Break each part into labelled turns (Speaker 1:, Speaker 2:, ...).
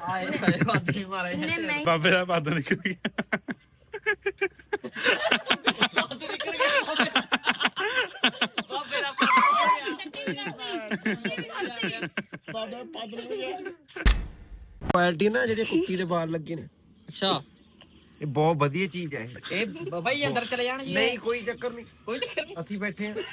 Speaker 1: ਬਾਬੇ ਦਾ ਪੱਦ ਨਿਕਲ ਗਿਆ।
Speaker 2: ਕੁਆਲਿਟੀ ਨਾ ਜਿਹੜੇ ਕੁੱਤੀ ਦੇ ਵਾਲ ਲੱਗੇ ਨੇ।
Speaker 3: ਅੱਛਾ
Speaker 2: ਇਹ ਬਹੁਤ ਵਧੀਆ ਚੀਜ਼ ਹੈ
Speaker 3: ਇਹ ਬਾਬਾ ਜੀ ਅੰਦਰ ਚਲੇ ਜਾਣ ਜੀ।
Speaker 2: ਨਹੀਂ ਕੋਈ ਚੱਕਰ ਨਹੀਂ,
Speaker 3: ਕੋਈ ਚੱਕਰ ਨਹੀਂ,
Speaker 2: ਅਸੀਂ ਬੈਠੇ ਆ।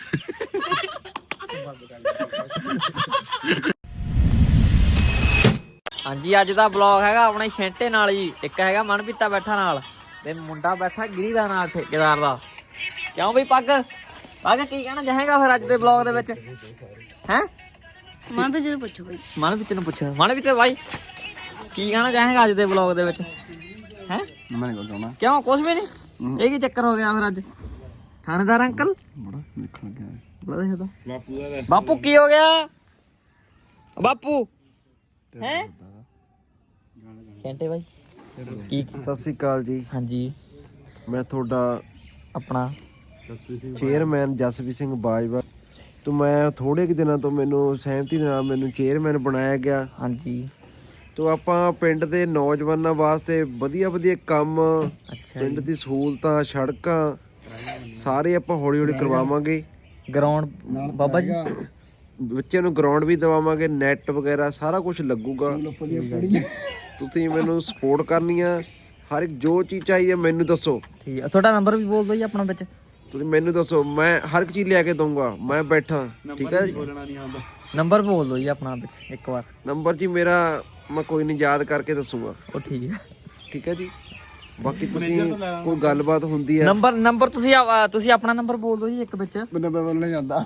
Speaker 3: ਹਾਂਜੀ ਅੱਜ ਦਾ ਬਲੌਗ ਹੈਗਾ ਆਪਣੇ ਛੇਂਟੇ ਨਾਲ ਜੀ। ਇੱਕ ਹੈਗਾ ਮਨਪੀਤਾ ਬੈਠਾ ਨਾਲ ਤੇ ਮੁੰਡਾ ਬੈਠਾ ਗਿਰੀ ਦਾ ਨਾਲ ਠੇਕੇਦਾਰ ਦਾ। ਕਿਉਂ ਬਈ ਪੱਗ ਕੀ ਕਹਿਣਾ ਚਾਹੇਗਾ ਫਿਰ ਅੱਜ ਦੇ ਬਲੌਗ ਦੇ ਵਿੱਚ ਹੈ?
Speaker 4: ਮਨਪੀਤੇ ਨੂੰ ਪੁੱਛੋ ਬਈ।
Speaker 3: ਮਨਪੀਤੇ ਨੂੰ ਪੁੱਛੋ। ਮਨਪੀਤੇ ਬਾਈ ਕੀ ਕਹਿਣਾ ਚਾਹੇਗਾ ਅੱਜ ਦੇ ਬਲੌਗ ਦੇ ਵਿੱਚ ਹੈ?
Speaker 2: ਮੈਂ ਨਹੀਂ ਕਹਣਾ
Speaker 3: ਕਿਉਂ ਕੁਛ ਵੀ ਨਹੀਂ? ਇਹ ਕੀ ਚੱਕਰ ਹੋ ਗਿਆ ਫਿਰ ਅੱਜ? ਥਾਣੇਦਾਰ ਅੰਕਲ
Speaker 2: ਬੜਾ ਦੇਖਣ ਗਿਆ
Speaker 3: ਬੜਾ ਦੇਖਦਾ ਬਾਪੂ ਕੀ ਹੋ ਗਿਆ ਬਾਪੂ ਹੈ? ਛੇਂਟੇ ਬਾਈ ਕੀ?
Speaker 2: ਸਤਿ ਸ੍ਰੀ ਅਕਾਲ ਜੀ।
Speaker 3: ਹਾਂਜੀ
Speaker 2: ਮੈਂ ਤੁਹਾਡਾ
Speaker 3: ਆਪਣਾ
Speaker 2: ਚੇਅਰਮੈਨ ਜਸਵੀਰ ਸਿੰਘ ਬਾਜਵਾ ਤੋਂ ਮੈਂ ਥੋੜੇ ਕਿ ਦਿਨਾਂ ਤੋਂ ਮੈਨੂੰ ਸਹਿਮਤੀ ਦੇ ਨਾਲ ਮੈਨੂੰ ਚੇਅਰਮੈਨ ਬਣਾਇਆ ਗਿਆ।
Speaker 3: ਹਾਂਜੀ
Speaker 2: ਤੋਂ ਆਪਾਂ ਪਿੰਡ ਦੇ ਨੌਜਵਾਨਾਂ ਵਾਸਤੇ ਵਧੀਆ ਵਧੀਆ ਕੰਮ,
Speaker 3: ਅੱਛਾ
Speaker 2: ਪਿੰਡ ਦੀ ਸਹੂਲਤਾਂ, ਸੜਕਾਂ ਸਾਰੇ ਆਪਾਂ ਹੌਲੀ ਹੌਲੀ ਕਰਵਾਵਾਂਗੇ।
Speaker 3: ਗਰਾਊਂਡ ਬਾਬਾ ਜੀ
Speaker 2: ਬੱਚਿਆਂ ਨੂੰ ਗਰਾਊਂਡ ਵੀ ਦਵਾਵਾਂਗੇ, ਨੈਟ ਵਗੈਰਾ ਸਾਰਾ ਕੁਝ ਲੱਗੂਗਾ। ਤੁਸੀਂ ਮੈਨੂੰ ਸਪੋਰਟ ਕਰਨੀ ਆ, ਹਰ ਇੱਕ ਜੋ ਚੀਜ਼ ਚਾਹੀਦੀ ਹੈ ਮੈਨੂੰ ਦੱਸੋ।
Speaker 3: ਠੀਕ ਆ ਤੁਹਾਡਾ ਨੰਬਰ ਵੀ ਬੋਲ ਦਿਓ ਜੀ ਆਪਣਾ ਵਿੱਚ।
Speaker 2: ਤੁਸੀਂ ਮੈਨੂੰ ਦੱਸੋ, ਮੈਂ ਹਰ ਇੱਕ ਚੀਜ਼ ਲਿਆ ਕੇ ਦਊਂਗਾ, ਮੈਂ ਬੈਠਾ। ਠੀਕ ਹੈ ਜੀ,
Speaker 3: ਨੰਬਰ ਬੋਲ ਦਿਓ ਜੀ ਆਪਣਾ ਵਿੱਚ ਇੱਕ ਵਾਰ।
Speaker 2: ਨੰਬਰ ਜੀ ਮੇਰਾ ਮੈਂ ਕੋਈ ਨਹੀਂ ਯਾਦ ਕਰਕੇ ਦੱਸੂਗਾ।
Speaker 3: ਉਹ ਠੀਕ ਹੈ।
Speaker 2: ਠੀਕ ਹੈ ਜੀ, ਬਾਕੀ ਤੁਸੀਂ ਕੋਈ ਗੱਲਬਾਤ ਹੁੰਦੀ ਹੈ
Speaker 3: ਨੰਬਰ ਤੁਸੀਂ ਆਪਣਾ ਨੰਬਰ ਬੋਲ ਦਿਓ ਜੀ ਇੱਕ ਵਿੱਚ।
Speaker 2: ਮੈਨੂੰ ਬੋਲਣਾ ਜਾਂਦਾ।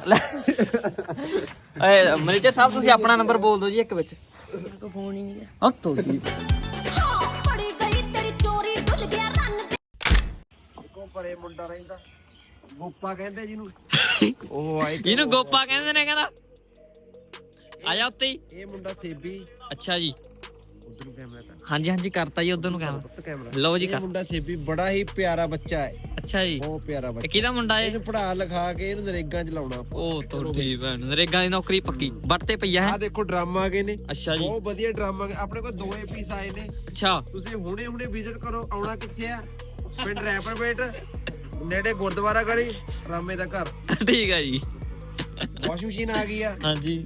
Speaker 3: ਮੈਨੇਜਰ ਸਾਹਿਬ ਤੁਸੀਂ ਆਪਣਾ ਨੰਬਰ ਬੋਲ ਦਿਓ ਜੀ ਇੱਕ ਵਿੱਚ।
Speaker 4: ਕੋਈ ਫੋਨ ਹੀ ਨਹੀਂ ਗਿਆ।
Speaker 3: ਉਹ ਤੋੜੀ
Speaker 4: ਫੜੀ ਗਈ ਤੇਰੀ ਚੋਰੀ ਡੁੱਲ ਗਿਆ ਰੰਨ
Speaker 2: ਕੋ ਪਰੇ ਮੁੰਡਾ ਰਹਿੰਦਾ ਗੋਪਾ ਕਹਿੰਦੇ ਜਿਹਨੂੰ। ਉਹ ਆਏ
Speaker 3: ਇਹਨੂੰ ਗੋਪਾ ਕਹਿੰਦੇ ਨੇ। ਕਹਿੰਦਾ ਆ ਜਾ ਉੱਤੇ ਹੀ।
Speaker 2: ਇਹ ਮੁੰਡਾ ਸੇਬੀ।
Speaker 3: ਅੱਛਾ ਜੀ
Speaker 2: ਉਧਰ ਨੂੰ ਕੈਮਰਾ ਕਰ।
Speaker 3: ਹਾਂਜੀ ਹਾਂਜੀ ਕਰਤਾ ਜੀ ਉਧਰ ਨੂੰ
Speaker 2: ਕੈਮਰਾ
Speaker 3: ਲਓ ਜੀ
Speaker 2: ਇਹ
Speaker 3: ਕਰ।
Speaker 2: ਮੁੰਡਾ ਸੇਬੀ ਬੜਾ ਹੀ ਪਿਆਰਾ ਬੱਚਾ ਹੈ।
Speaker 3: ਅੱਛਾ ਜੀ
Speaker 2: ਬਹੁਤ ਪਿਆਰਾ
Speaker 3: ਇਹ
Speaker 2: ਬੱਚਾ।
Speaker 3: ਕਿਹਦਾ ਮੁੰਡਾ ਹੈ?
Speaker 2: ਇਹਨੂੰ ਪੜ੍ਹਾ ਲਿਖਾ ਕੇ ਇਹਨੂੰ ਨਰੇਗਾ ਚ ਲਾਉਣਾ ਆਪਾਂ।
Speaker 3: ਉਹ ਤੁਹਾਡੀ ਭੈਣ ਨਰੇਗਾ ਦੀ ਨੌਕਰੀ ਪੱਕੀ ਵੱਟ ਤੇ ਪਈਆ ਹੈ।
Speaker 2: ਆਹ ਦੇਖੋ ਡਰਾਮਾ ਆ ਗਏ ਨੇ।
Speaker 3: ਅੱਛਾ ਜੀ
Speaker 2: ਬਹੁਤ ਵਧੀਆ ਡਰਾਮਾ ਆਪਣੇ ਕੋਲ 2 ਪੀਸ ਆਏ ਨੇ।
Speaker 3: ਅੱਛਾ
Speaker 2: ਤੁਸੀਂ ਹੁਣੇ ਵਿਜ਼ਿਟ ਕਰੋ। ਆਉਣਾ ਕਿੱਥੇ ਆ? ਪਿੰਡ ਰੈਪਰਪੇਟ ਨੇੜੇ ਗੁਰਦੁਆਰਾ ਗਲੀ ਰਾਮੇ ਦਾ ਘਰ।
Speaker 3: ਠੀਕ ਹੈ ਜੀ।
Speaker 2: ਵਾਸ਼ਿੰਗ ਮਸ਼ੀਨ ਆ ਗਈ ਆ
Speaker 3: ਹਾਂਜੀ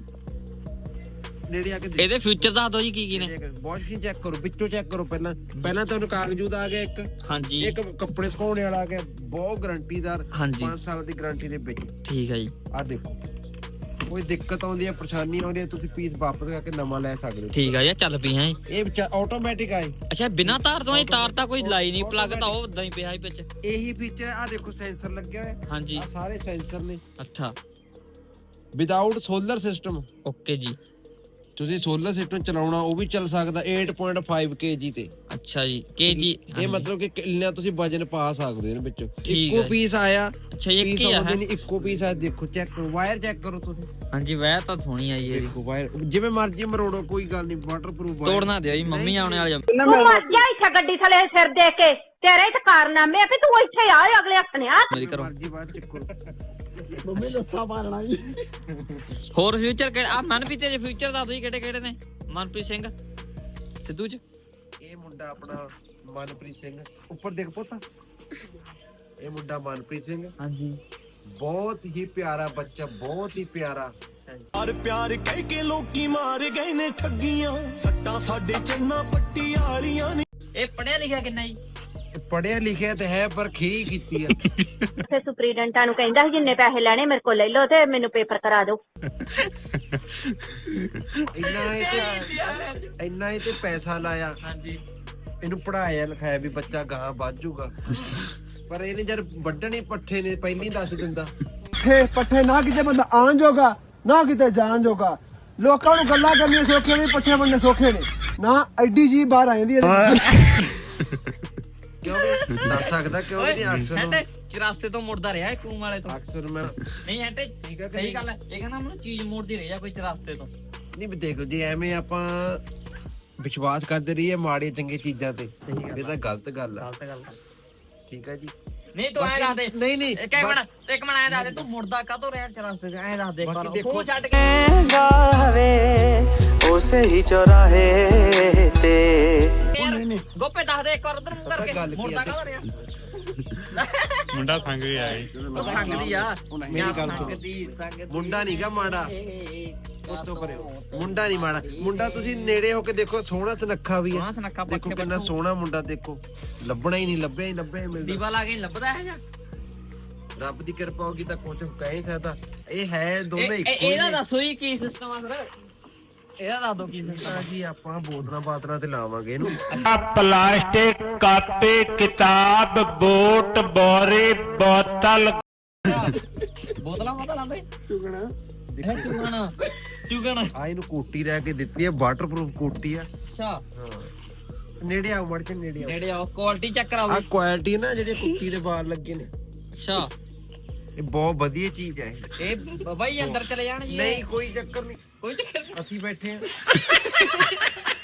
Speaker 2: ਨੇੜੇ ਆ ਕੇ
Speaker 3: ਇਹਦੇ ਫਿਊਚਰ ਦੱਸ ਦਿਓ ਜੀ ਕੀ ਨੇ।
Speaker 2: ਵਾਸ਼ਿੰਗ ਮਸ਼ੀਨ ਚੈੱਕ ਕਰੋ, ਵਿੱਚੋਂ ਚੈੱਕ ਕਰੋ। ਪਹਿਲਾਂ ਤੁਹਾਨੂੰ ਕਾਗਜ਼ੂਦ ਆ ਗਿਆ ਇੱਕ।
Speaker 3: ਹਾਂਜੀ
Speaker 2: ਇੱਕ ਕੱਪੜੇ ਸੁਕਾਉਣੇ ਵਾਲਾ ਆ ਗਿਆ, ਬਹੁਤ ਗਾਰੰਟੀਦਾਰ।
Speaker 3: ਹਾਂਜੀ
Speaker 2: 5 ਸਾਲ ਦੀ ਗਾਰੰਟੀ ਦੇ ਵਿੱਚ।
Speaker 3: ਠੀਕ ਹੈ ਜੀ।
Speaker 2: ਆ ਦੇਖੋ, ਕੋਈ ਦਿੱਕਤ ਆਉਂਦੀ ਹੈ, ਪਰੇਸ਼ਾਨੀ ਆਉਂਦੀ ਹੈ, ਤੁਸੀਂ ਪੀਸ ਵਾਪਸ ਕਰਕੇ ਨਵਾਂ ਲੈ ਸਕਦੇ ਹੋ।
Speaker 3: ਠੀਕ ਆ ਜੀ ਚੱਲ ਪਈ ਹੈ
Speaker 2: ਇਹ ਆਟੋਮੈਟਿਕ ਆਏ।
Speaker 3: ਅੱਛਾ ਬਿਨਾਂ ਤਾਰ ਤੋਂ? ਇਹ ਤਾਰ ਤਾਂ ਕੋਈ ਲਾਈ ਨਹੀਂ, ਪਲੱਗ ਤਾਂ ਉਹ ਉਦਾਂ ਹੀ ਪਿਆ ਹੀ ਵਿੱਚ।
Speaker 2: ਇਹੀ ਫੀਚਰ ਆ ਦੇਖੋ, ਸੈਂਸਰ ਲੱਗਿਆ ਹੋਇਆ।
Speaker 3: ਹਾਂਜੀ
Speaker 2: ਆ ਸਾਰੇ ਸੈਂਸਰ ਨੇ।
Speaker 3: ਅੱਛਾ
Speaker 2: ਵਿਦਆਊਟ ਸੋਲਰ ਸਿਸਟਮ।
Speaker 3: ਓਕੇ ਜੀ।
Speaker 2: ਤੁਸੀਂ ਸੋਲਰ ਸਿਸਟਮ ਚਲਾਉਣਾ ਉਹ ਵੀ ਚੱਲ ਸਕਦਾ 8.5 kg ਤੇ।
Speaker 3: ਅੱਛਾ ਜੀ kg।
Speaker 2: ਇਹ ਮਤਲਬ ਕਿ ਕਿੰਨਾ ਤੁਸੀਂ ਵਜਨ ਪਾ ਸਕਦੇ ਹੋ ਇਹਦੇ ਵਿੱਚੋਂ।
Speaker 3: ਠੀਕ
Speaker 2: ਇੱਕੋ
Speaker 3: ਹੈ।
Speaker 2: ਪੀਸ ਆਇਆ।
Speaker 3: ਅੱਛਾ ਇੱਕ ਹੀ ਆ ਹੈ?
Speaker 2: ਇੱਕੋ ਪੀਸ ਆ। ਦੇਖੋ ਚੈੱਕ ਕਰੋ, ਵਾਇਰ ਚੈੱਕ ਕਰੋ ਤੁਸੀਂ।
Speaker 3: ਹਾਂਜੀ ਵਾਇਰ ਤਾਂ ਸੋਹਣੀ ਆਈ ਹੈ ਜੀ।
Speaker 2: ਦੇਖੋ ਵਾਇਰ ਜਿਵੇਂ ਮਰਜ਼ੀ ਮਰੋੜੋ, ਕੋਈ ਗੱਲ ਨਹੀਂ। ਵਾਟਰਪ੍ਰੂਫ
Speaker 3: ਤੋੜਨਾ ਦਿਓ ਜੀ, ਮੰਮੀ ਆਉਣੇ ਵਾਲੀ।
Speaker 5: ਤੂੰ ਮਰ ਜਾ ਇੱਥੇ ਗੱਡੀ ਥਲੇ ਸਿਰ ਦੇ ਕੇ। ਤੇਰੇ ਤੇ ਕਾਰਨਾਮੇ ਆ ਵੀ ਤੂੰ ਇੱਥੇ ਆ ਅਗਲੇ ਹੱਥ ਆ।
Speaker 3: ਮੇਰੀ ਕਰੋ
Speaker 2: ਮਰਜ਼ੀ ਵਾਇਰ ਚੈੱਕ ਕਰੋ।
Speaker 1: ਮੰਮੀ ਦੱਸਾ ਮਾਰਨਾ ਜੀ।
Speaker 3: ਹੋਰ ਫਿਊਚਰ ਕਿਹੜੇ ਆ? ਮਨਪ੍ਰੀਤ ਦੇ ਫਿਊਚਰ ਦੱਸ ਦਿਓ ਕਿਹੜੇ ਕਿਹੜੇ ਨੇ। ਮਨਪ੍ਰੀਤ ਸਿੰਘ ਸਿੱਧੂ ਚ।
Speaker 2: ਇਹ ਮੁੰਡਾ ਆਪਣਾ ਮਨਪ੍ਰੀਤ ਸਿੰਘ ਉੱਪਰ ਦੇਖ ਪੁੱਤ। ਇਹ ਮੁੰਡਾ ਮਨਪ੍ਰੀਤ ਸਿੰਘ।
Speaker 3: ਹਾਂਜੀ
Speaker 2: ਬਹੁਤ ਹੀ ਪਿਆਰਾ ਬੱਚਾ, ਬਹੁਤ ਹੀ ਪਿਆਰਾ।
Speaker 6: ਹਰ ਪਿਆਰ ਕਹਿ ਕੇ ਲੋਕੀ ਮਾਰ ਗਏ ਨੇ ਠੱਗੀਆਂ। ਸੱਟਾਂ ਸਾਡੇ ਚੰਨਾ ਪੱਟੀ ਵਾਲੀਆਂ ਨੇ।
Speaker 3: ਇਹ ਪੜਿਆ ਲਿਖਿਆ ਕਿੰਨਾ ਜੀ?
Speaker 2: ਪੜਿਆ ਲਿਖਿਆ ਤੇ ਹੈ ਪਰ ਖੀ ਕੀਤੀ ਆ।
Speaker 5: ਤੇ ਸੁਪਰੀਡੈਂਟਾਂ ਨੂੰ ਕਹਿੰਦਾ ਸੀ ਜਿੰਨੇ ਪੈਸੇ ਲੈਣੇ ਮੇਰੇ ਕੋਲ ਲੈ ਲਓ ਤੇ ਮੈਨੂੰ ਪੇਪਰ ਕਰਾ ਦਿਓ।
Speaker 2: ਇੰਨਾ ਇਹ ਤੇ ਪੈਸਾ ਲਾਇਆ।
Speaker 3: ਹਾਂਜੀ
Speaker 2: ਇਹਨੂੰ ਪੜਾਇਆ ਲਿਖਾਇਆ ਵੀ ਬੱਚਾ ਗਾਂ ਵੱਧ ਜਾਊਗਾ। ਪਰ ਇਹਨੇ ਜਦ ਵੱਢਣੇ ਪੱਠੇ ਨੇ ਪਹਿਲਾਂ ਹੀ ਦੱਸ ਦਿੰਦਾ।
Speaker 7: ਪੱਠੇ ਨਾ ਕਿਤੇ ਬੰਦਾ ਆਣ ਜੋਗਾ ਨਾ ਕਿਤੇ ਜਾਣ ਜੋਗਾ। ਲੋਕਾਂ ਨੂੰ ਗੱਲਾਂ ਕਰਨੀਆਂ ਸੌਖੀਆਂ ਨੇ, ਪੱਠੇ ਵੰਡਣੇ ਸੌਖੇ ਨੇ ਨਾ। ਐਡੀ ਜੀ ਬਾਹਰ ਆ ਜਾਂਦੀ ਹੈ।
Speaker 2: ਕਿਉਂ ਵੀ ਦੱਸ ਸਕਦਾ ਕਿਉਂ ਨਹੀਂ? ਅਕਸਰ ਨੂੰ
Speaker 3: ਚਰਾਸਤੇ ਤੋਂ ਮੁੜਦਾ ਰਿਹਾ ਕੂਮ ਵਾਲੇ ਤੋਂ।
Speaker 2: ਅਕਸਰ ਮੈਂ
Speaker 3: ਨਹੀਂ ਹਟੇ ਠੀਕ ਹੈ, ਸਹੀ ਗੱਲ ਹੈ। ਇਹ ਕਹਿੰਦਾ ਮੈਨੂੰ ਚੀਜ਼ ਮੋੜਦੀ ਰਹੀ ਆ ਕੋਈ ਚਰਾਸਤੇ ਤੋਂ।
Speaker 2: ਨਹੀਂ ਵੀ ਦੇਖੋ ਜੀ, ਐਵੇਂ ਆਪਾਂ ਵਿਸ਼ਵਾਸ ਕਰਦੇ ਰਹੀਏ ਮਾੜੀ ਚੰਗੀ ਚੀਜ਼ਾਂ ਤੇ, ਇਹ ਤਾਂ ਗਲਤ ਗੱਲ ਆ।
Speaker 3: ਗਲਤ ਗੱਲ।
Speaker 2: ਠੀਕ ਹੈ ਜੀ।
Speaker 3: ਨਹੀਂ ਤੂੰ ਐਂ ਦੱਸ ਦੇ।
Speaker 2: ਨਹੀਂ
Speaker 3: ਇੱਕ ਮਿੰਟ ਐਂ ਦੱਸ ਦੇ, ਤੂੰ ਮੁੜਦਾ ਕਾਹਤੋਂ ਰਿਹਾ ਚਰਾਸਤੇ ਤੇ? ਐਂ ਦੱਸ ਦੇ ਇੱਕ ਵਾਰ।
Speaker 2: ਦੇਖੋ
Speaker 3: ਤੂੰ ਛੱਡ ਕੇ
Speaker 6: ਉਸੇ ਹੀ ਚੌਰਾਹੇ ਤੇ
Speaker 3: ਗੋਪੇ ਦੱਸ ਦੇ ਇੱਕ ਵਾਰ ਉਧਰ ਮੂੰਹ ਕਰਕੇ ਮੁੰਡਾ ਕਾਹਦਾ ਰਿਹਾ
Speaker 1: ਮੁੰਡਾ ਸੰਗ ਵੀ ਆਇਆ
Speaker 3: ਉਹ ਸੰਗਦੀ ਆ
Speaker 2: ਮੇਰੀ ਗੱਲ ਸੁਣੋ।
Speaker 3: ਸੰਗਦੀ
Speaker 2: ਮੁੰਡਾ ਨੀ ਗਾ ਮਾੜਾ ਉੱਤੋਂ ਪਰੇ ਮੁੰਡਾ ਨਹੀਂ ਮਾੜਾ ਮੁੰਡਾ ਤੁਸੀਂ ਨੇੜੇ ਹੋ ਕੇ ਦੇਖੋ ਸੋਹਣਾ ਸੁਨੱਖਾ ਵੀ
Speaker 3: ਸੋਹਣਾ
Speaker 2: ਹੈ
Speaker 3: ਸੁਨੱਖਾ
Speaker 2: ਦੇਖੋ
Speaker 3: ਪੱਖੇ
Speaker 2: ਕਿੰਨਾ ਸੋਹਣਾ ਮੁੰਡਾ ਦੇਖੋ ਲੱਭਣਾ ਹੀ ਨਹੀਂ ਲੱਭਿਆ ਹੀ ਮਿਲਦਾ
Speaker 3: ਦੀਵਾ ਲਾ ਕੇ ਨੀ ਲੱਭਦਾ ਹੈ ਜਾਂ
Speaker 2: ਰੱਬ ਦੀ ਕਿਰਪਾ ਹੋਗੀ ਤਾਂ ਕੁਝ ਕਹਿ ਨਹੀਂ ਸਕਦਾ ਇਹ ਹੈ ਦੋਨੇ ਇੱਕੋ ਹੀ
Speaker 3: ਇਹਦਾ
Speaker 2: ਨੇ।
Speaker 3: ਦੱਸੋ ਜੀ ਕੀ ਸਿਸਟਮ ਆ ਫਿਰ ਇਹਦਾ ਦੱਸ ਦੋ ਕੀ ਸਿਸਟਮ
Speaker 2: ਜੀ ਆਪਾਂ ਬੋਤਲਾਂ ਬਾਤਲਾਂ ਤੇ ਲਾਵਾਂਗੇ ਇਹਨੂੰ
Speaker 1: ਪਲਾਸਟਿਕ ਕਾਪੀ ਕਿਤਾਬ ਬੋਟ ਬੋਰੇ ਬੋਤਲ
Speaker 3: ਬੋਤਲਾਂ ਲਾਉਂਦੇ ਚੁਗਣਾ
Speaker 2: ਆ ਇਹਨੂੰ ਕੋਟੀ ਰਹਿ ਕੇ ਦਿੱਤੀ ਹੈ ਵਾਟਰਪ੍ਰੂਫ ਕੋਟੀ ਆ
Speaker 3: ਅੱਛਾ
Speaker 2: ਹਾਂ ਨੇੜੇ ਆਓ ਮੜ ਕੇ ਨੇੜੇ ਆਓ
Speaker 3: ਨੇੜੇ ਆਓ ਕੁਆਲਿਟੀ ਚੈੱਕ ਕਰਾਓ
Speaker 2: ਆ ਕੁਆਲਿਟੀ ਨਾ ਜਿਹੜੇ ਕੁੱਤੀ ਦੇ ਵਾਲ ਲੱਗੇ ਨੇ
Speaker 3: ਅੱਛਾ
Speaker 2: ਇਹ ਬਹੁਤ ਵਧੀਆ ਚੀਜ਼ ਹੈ
Speaker 3: ਇਹ ਬਾਬਾ ਜੀ ਅੰਦਰ ਚਲੇ ਜਾਣ ਜੀ
Speaker 2: ਨਹੀਂ ਕੋਈ ਚੱਕਰ ਨਹੀਂ
Speaker 3: ਕੋਈ ਚੱਕਰ
Speaker 2: ਅਸੀਂ ਬੈਠੇ ਆ